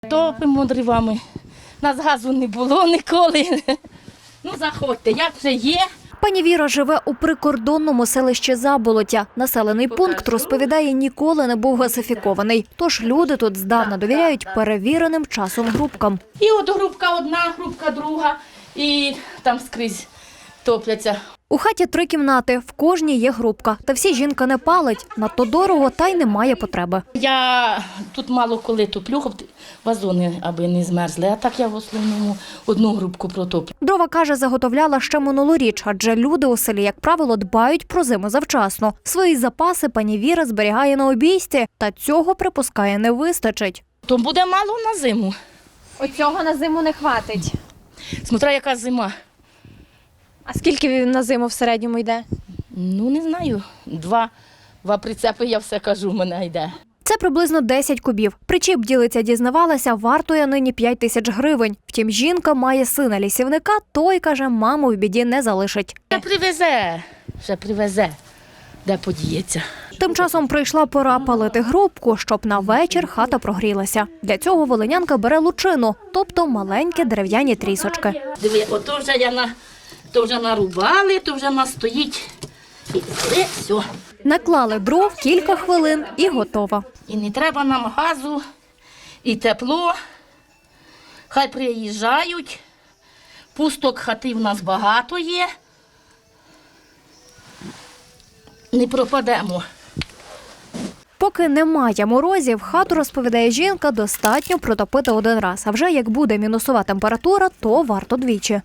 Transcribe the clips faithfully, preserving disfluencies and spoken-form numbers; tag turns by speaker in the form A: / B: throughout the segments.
A: Топимо дровами. Нас газу не було ніколи. Ну, заходьте, як вже є.
B: Пані Віра живе у прикордонному селищі Заболоття. Населений пункт, розповідає, ніколи не був газифікований. Тож люди тут здавна довіряють перевіреним часом грубкам.
A: І от грубка одна, грубка друга, і там скрізь топляться.
B: У хаті три кімнати, в кожній є грубка. Та всі жінка не палить, надто дорого, та й немає потреби.
A: Я тут мало коли топлю, вазони аби не змерзли, а так я в основному одну грубку протоплю.
B: Дрова, каже, заготовляла ще минулоріч, адже люди у селі, як правило, дбають про зиму завчасно. Свої запаси пані Віра зберігає на обійсті, та цього, припускає, не вистачить.
A: То буде мало на зиму.
C: Оцього на зиму не хватить.
A: Смотря яка зима.
C: А скільки він на зиму в середньому йде?
A: Ну, не знаю. Два, два прицепи, я все кажу, в мене йде.
B: Це приблизно десять кубів. Причіп, ділиця, дізнавалася, вартує нині п'ять тисяч гривень. Втім, жінка має сина лісівника, той, каже, маму в біді не залишить.
A: Ще привезе, ще привезе, де подіється.
B: Тим часом прийшла пора палити грубку, щоб на вечір хата прогрілася. Для цього волинянка бере лучину, тобто маленькі дерев'яні трісочки.
A: Диви, ото вже я на, то вже нарубали, то вже настоїть. І взяли, все.
B: Наклали дров, кілька хвилин і готово.
A: І не треба нам газу, і тепло. Хай приїжджають. Пусток хати в нас багато є. Не пропадемо.
B: Поки немає морозів, хату, розповідає жінка, достатньо протопити один раз. А вже як буде мінусова температура, то варто двічі.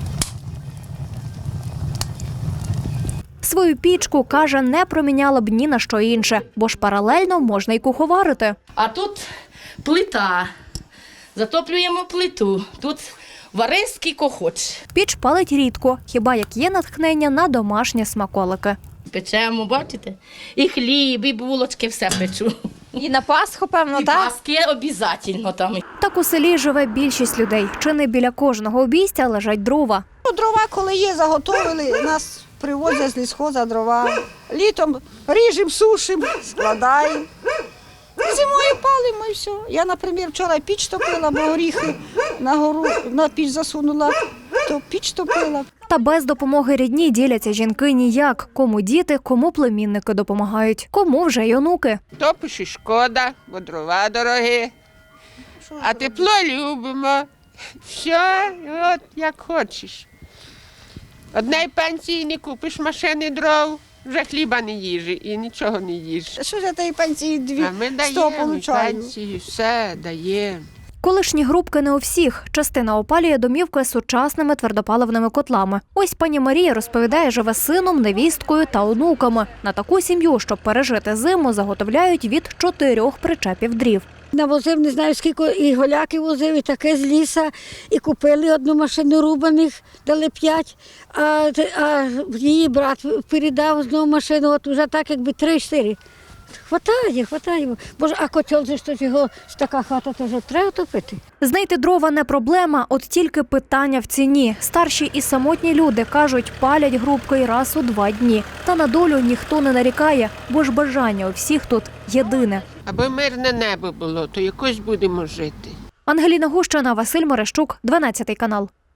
B: Свою пічку, каже, не проміняла б ні на що інше, бо ж паралельно можна й куховарити.
A: А тут плита. Затоплюємо плиту. Тут вари скільки хочеш.
B: Піч палить рідко, хіба як є натхнення на домашні смаколики.
A: Печемо, бачите? І хліб, і булочки, все печу.
C: І на Пасху, певно,
A: І
C: так?
A: паски обов'язково там.
B: Так у селі живе більшість людей. Чи не біля кожного обійстя лежать дрова.
D: Ну, дрова, коли є, заготовили, нас привозять з лісхоза дрова. Літом ріжемо, сушимо, складаємо. Зимою палимо і все. Я, наприклад, вчора піч топила, бо горіхи на гору на піч засунула, то піч топила.
B: Та без допомоги рідні діляться жінки ніяк. Кому діти, кому племінники допомагають, кому вже й онуки.
E: Топиш і шкода, бо дрова дорогі, а тепло любимо. Все, от як хочеш. Одної пенсії не купиш машини дров, вже хліба не їжі і нічого не їж.
D: Що ж я тієї пенсії дві
E: А ми
D: сто
E: даємо
D: получаю?
E: пенсію, все даємо.
B: Колишні грубки не у всіх. Частина опалює домівки сучасними твердопаливними котлами. Ось пані Марія розповідає, живе з сином, невісткою та онуками. На таку сім'ю, щоб пережити зиму, заготовляють від чотирьох причепів дрів.
F: Навозив, не знаю, скільки і голяки возив, і таке з ліса, і купили одну машину рубаних, дали п'ять, а, а її брат передав знову машину, от вже так, якби три-чотири. Хватає, хватає. Боже, а котел же ж то його, така хата, то вже треба топити.
B: Знайти дрова не проблема, от тільки питання в ціні. Старші і самотні люди, кажуть, палять грубки раз у два дні. Та на долю ніхто не нарікає, бо ж бажання у всіх тут єдине.
E: Аби мирне небо було, то якось будемо жити.
B: Ангеліна Гущина, Василь Мерещук, дванадцятий канал.